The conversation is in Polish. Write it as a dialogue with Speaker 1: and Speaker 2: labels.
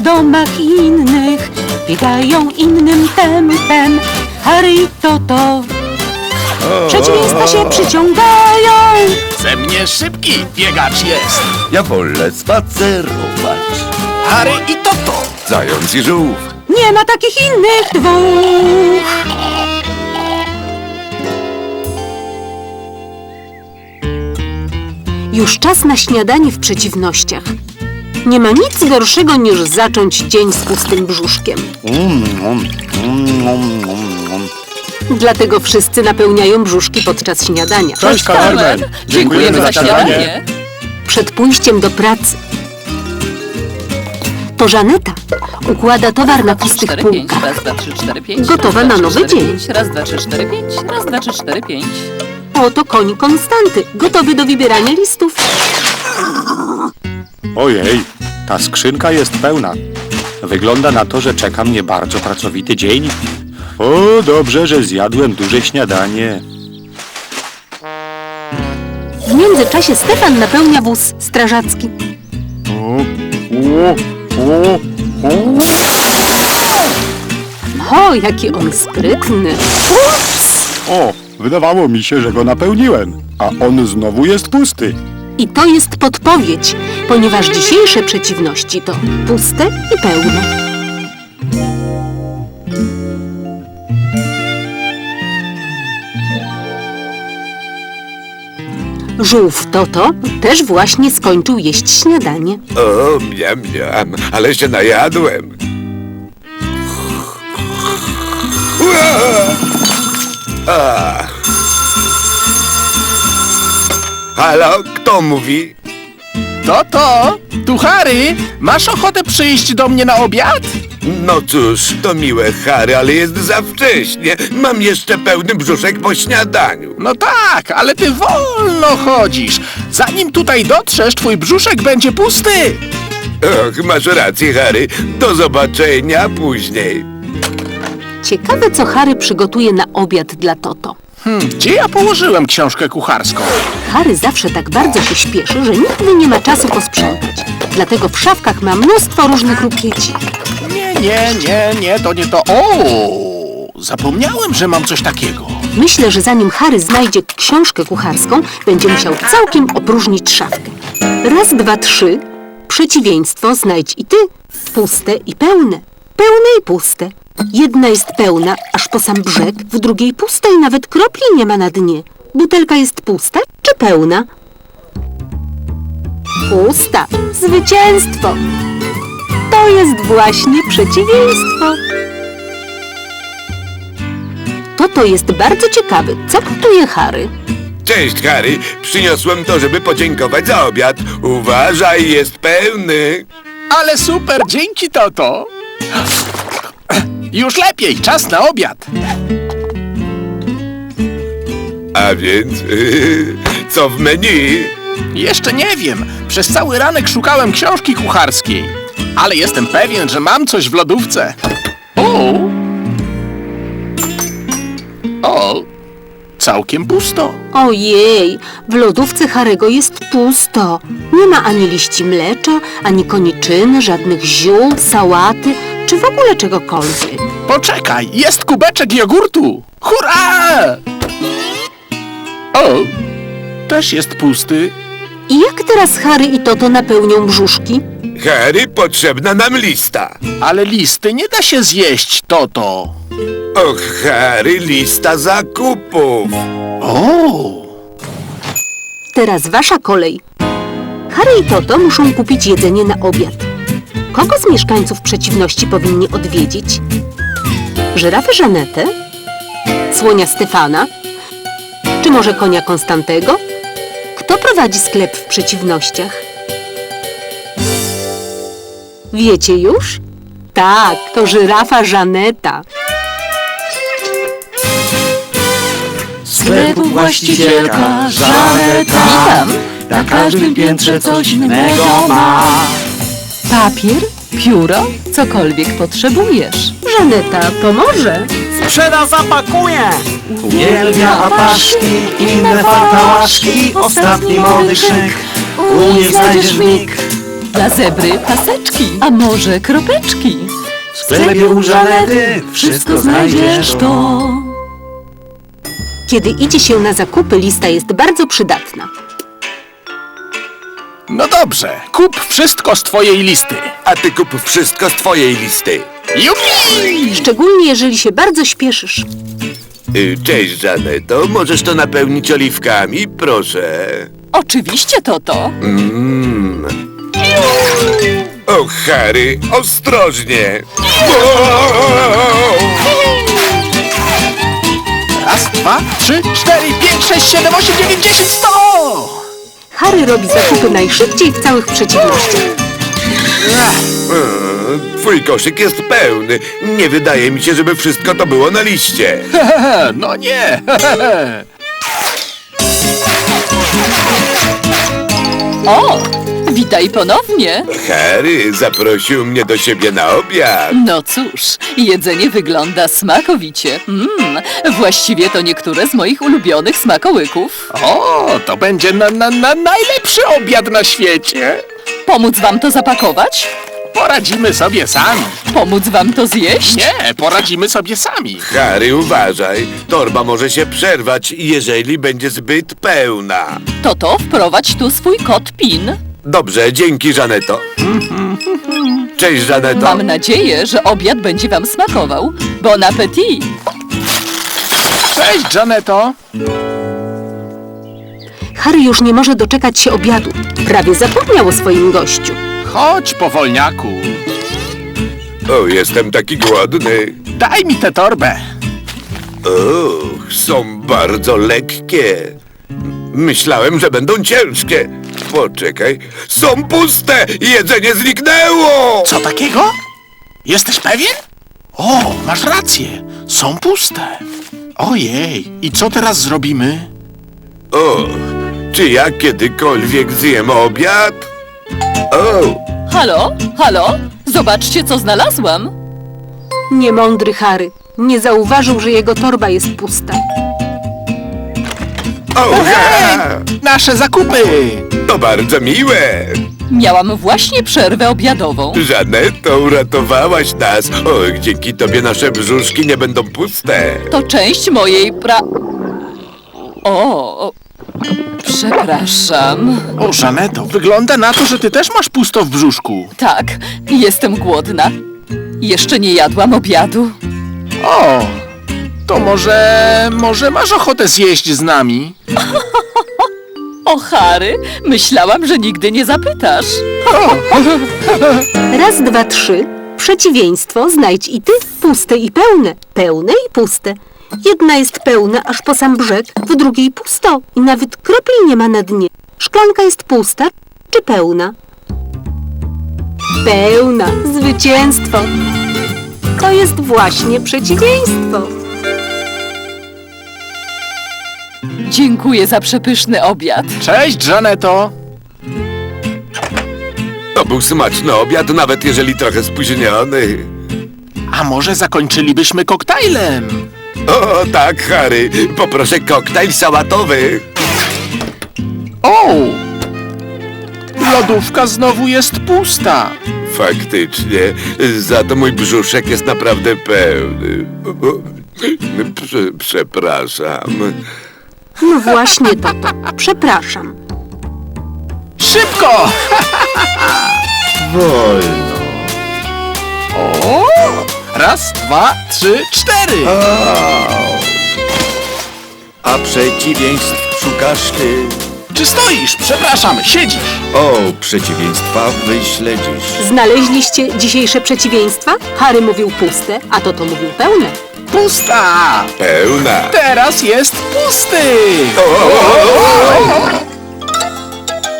Speaker 1: domach innych, biegają innym tempem. Harry i Toto przeciwieństwa się przyciągają.
Speaker 2: Ze mnie szybki biegacz jest.
Speaker 3: Ja wolę spacerować.
Speaker 2: Harry i Toto.
Speaker 3: Zając i żółw.
Speaker 1: Nie ma takich innych dwóch. Już czas na śniadanie w przeciwnościach. Nie ma nic gorszego niż zacząć dzień z pustym brzuszkiem. Dlatego wszyscy napełniają brzuszki podczas śniadania.
Speaker 2: Cześć, Carmen. Dziękujemy za śniadanie.
Speaker 1: Przed pójściem do pracy. To Żaneta układa towar na pustych
Speaker 4: 4, 5,
Speaker 1: półkach.
Speaker 4: raz, 2, 3, 4, 5.
Speaker 1: Gotowa
Speaker 4: raz,
Speaker 1: na
Speaker 4: 2,
Speaker 1: nowy
Speaker 4: 3, 4,
Speaker 1: dzień.
Speaker 4: 5, raz, 2, 3, 4, 5. Raz, 2, 3, 4, 5.
Speaker 1: Oto koń Konstanty, gotowy do wybierania listów.
Speaker 5: Ojej, ta skrzynka jest pełna. Wygląda na to, że czeka mnie bardzo pracowity dzień. O, dobrze, że zjadłem duże śniadanie.
Speaker 1: W międzyczasie Stefan napełnia wóz strażacki. O, jaki on sprytny.
Speaker 5: O, wydawało mi się, że go napełniłem, a on znowu jest pusty.
Speaker 1: I to jest podpowiedź, ponieważ dzisiejsze przeciwności to puste i pełne. Żółw Toto też właśnie skończył jeść śniadanie.
Speaker 3: O, miam, ale się najadłem. Halo, kto mówi?
Speaker 2: Toto, tu Harry. Masz ochotę przyjść do mnie na obiad?
Speaker 3: No cóż, to miłe, Harry, ale jest za wcześnie. Mam jeszcze pełny brzuszek po śniadaniu.
Speaker 2: No tak, ale ty wolno chodzisz. Zanim tutaj dotrzesz, twój brzuszek będzie pusty.
Speaker 3: Och, masz rację, Harry. Do zobaczenia później.
Speaker 1: Ciekawe, co Harry przygotuje na obiad dla Toto.
Speaker 2: Gdzie ja położyłem książkę kucharską?
Speaker 1: Harry zawsze tak bardzo się śpieszy, że nigdy nie ma czasu posprzątać. Dlatego w szafkach ma mnóstwo różnych rupieci.
Speaker 2: Nie, to nie to. O, zapomniałem, że mam coś takiego.
Speaker 1: Myślę, że zanim Harry znajdzie książkę kucharską, będzie musiał całkiem opróżnić szafkę. Raz, dwa, trzy. Przeciwieństwo znajdź i ty. Puste i pełne. Pełne i puste. Jedna jest pełna, aż po sam brzeg, w drugiej pusta i nawet kropli nie ma na dnie. Butelka jest pusta czy pełna? Pusta. Zwycięstwo. To jest właśnie przeciwieństwo. To jest bardzo ciekawy. Co gotuje Harry?
Speaker 3: Cześć, Harry. Przyniosłem to, żeby podziękować za obiad. Uważaj, jest pełny.
Speaker 2: Ale super, dzięki, Toto. Już lepiej, czas na obiad.
Speaker 3: A więc, co w menu?
Speaker 2: Jeszcze nie wiem. Przez cały ranek szukałem książki kucharskiej. Ale jestem pewien, że mam coś w lodówce. O, całkiem pusto.
Speaker 1: Ojej, w lodówce Harego jest pusto. Nie ma ani liści mlecza, ani koniczyny, żadnych ziół, sałaty, czy w ogóle czegokolwiek.
Speaker 2: Poczekaj, jest kubeczek jogurtu. Hurra! O, też jest pusty.
Speaker 1: I jak teraz Harry i Toto napełnią brzuszki?
Speaker 3: Harry, potrzebna nam lista.
Speaker 2: Ale listy nie da się zjeść, Toto.
Speaker 3: Och, Harry, lista zakupów.
Speaker 2: O!
Speaker 1: Teraz wasza kolej. Harry i Toto muszą kupić jedzenie na obiad. Kogo z mieszkańców przeciwności powinni odwiedzić? Żyrafę Żanetę? Słonia Stefana? Czy może konia Konstantego? Kto prowadzi sklep w przeciwnościach? Wiecie już? Tak, to żyrafa Żaneta.
Speaker 6: Sklepu właścicielka Żaneta.
Speaker 4: Witam.
Speaker 6: Na każdym piętrze coś innego ma.
Speaker 4: Papier, pióro, cokolwiek potrzebujesz.
Speaker 1: Żaneta pomoże.
Speaker 6: Sprzeda, zapakuje. Uwielbia apaszki, inne fartałaszki. Ostatni młody szyk, u niej znajdziesz mig.
Speaker 4: Dla zebry paseczki, a może kropeczki.
Speaker 6: W sklepie u Żanety wszystko znajdziesz to.
Speaker 1: Kiedy idzie się na zakupy, lista jest bardzo przydatna.
Speaker 2: No dobrze, kup wszystko z twojej listy.
Speaker 3: A ty kup wszystko z twojej listy.
Speaker 2: Jupi!
Speaker 1: Szczególnie jeżeli się bardzo śpieszysz.
Speaker 3: Cześć, Żaneto. Możesz to napełnić oliwkami, proszę.
Speaker 4: Oczywiście, Toto.
Speaker 3: O, Harry, ostrożnie.
Speaker 2: Raz, dwa, trzy, cztery, pięć, sześć, siedem, osiem, dziewięć, 10, 100!
Speaker 1: Harry robi zakupy najszybciej w całych przeciwnościach.
Speaker 3: Twój koszyk jest pełny. Nie wydaje mi się, żeby wszystko to było na liście.
Speaker 2: No nie!
Speaker 4: O, witaj ponownie.
Speaker 3: Harry zaprosił mnie do siebie na obiad.
Speaker 4: No cóż, jedzenie wygląda smakowicie. Właściwie to niektóre z moich ulubionych smakołyków.
Speaker 2: O, to będzie najlepszy obiad na świecie.
Speaker 4: Pomóc wam to zapakować?
Speaker 2: Poradzimy sobie sami.
Speaker 4: Pomóc wam to zjeść?
Speaker 2: Nie, poradzimy sobie sami.
Speaker 3: Harry, uważaj. Torba może się przerwać, jeżeli będzie zbyt pełna.
Speaker 4: Toto, wprowadź tu swój kod PIN.
Speaker 3: Dobrze, dzięki, Żaneto. Cześć, Żaneto.
Speaker 4: Mam nadzieję, że obiad będzie wam smakował. Bon appétit!
Speaker 2: Cześć, Żaneto.
Speaker 1: Harry już nie może doczekać się obiadu. Prawie zapomniał o swoim gościu.
Speaker 2: Chodź, powolniaku.
Speaker 3: O, jestem taki głodny.
Speaker 2: Daj mi tę torbę.
Speaker 3: Och, są bardzo lekkie. Myślałem, że będą ciężkie. Poczekaj, są puste! Jedzenie zniknęło!
Speaker 2: Co takiego? Jesteś pewien? O, masz rację. Są puste. Ojej, i co teraz zrobimy?
Speaker 3: O, czy ja kiedykolwiek zjem obiad? O,
Speaker 4: Halo? Halo? Zobaczcie, co znalazłam.
Speaker 1: Niemądry Harry. Nie zauważył, że jego torba jest pusta.
Speaker 2: Nasze zakupy!
Speaker 3: to bardzo miłe.
Speaker 4: Miałam właśnie przerwę obiadową.
Speaker 3: Żaneto, uratowałaś nas. O, dzięki tobie nasze brzuszki nie będą puste.
Speaker 4: To część mojej O, przepraszam.
Speaker 2: O, Żaneto, wygląda na to, że ty też masz pusto w brzuszku.
Speaker 4: Tak, jestem głodna. Jeszcze nie jadłam obiadu.
Speaker 2: O, to może masz ochotę zjeść z nami?
Speaker 4: O, Harry, myślałam, że nigdy nie zapytasz.
Speaker 1: Raz, dwa, trzy. Przeciwieństwo znajdź i ty. Puste i pełne. Pełne i puste. Jedna jest pełna aż po sam brzeg, w drugiej pusto i nawet kropli nie ma na dnie. Szklanka jest pusta czy pełna? Pełna. Zwycięstwo. To jest właśnie przeciwieństwo.
Speaker 4: Dziękuję za przepyszny obiad.
Speaker 2: Cześć, Żaneto.
Speaker 3: To był smaczny obiad, nawet jeżeli trochę spóźniony.
Speaker 2: A może zakończylibyśmy koktajlem?
Speaker 3: O, tak, Harry. Poproszę koktajl sałatowy.
Speaker 2: O! Lodówka znowu jest pusta.
Speaker 3: Faktycznie, za to mój brzuszek jest naprawdę pełny. Przepraszam.
Speaker 1: No właśnie, Toto. Przepraszam.
Speaker 2: Szybko!
Speaker 3: Wolno.
Speaker 2: O! Raz, dwa, trzy, cztery.
Speaker 6: A przeciwieństw szukasz ty.
Speaker 2: Czy stoisz? Przepraszam, siedzisz.
Speaker 6: O, przeciwieństwa wyśledzisz.
Speaker 1: Znaleźliście dzisiejsze przeciwieństwa? Harry mówił puste, a Toto mówił pełne.
Speaker 2: Pusta!
Speaker 3: Pełna.
Speaker 2: Teraz jest pusty!
Speaker 3: O!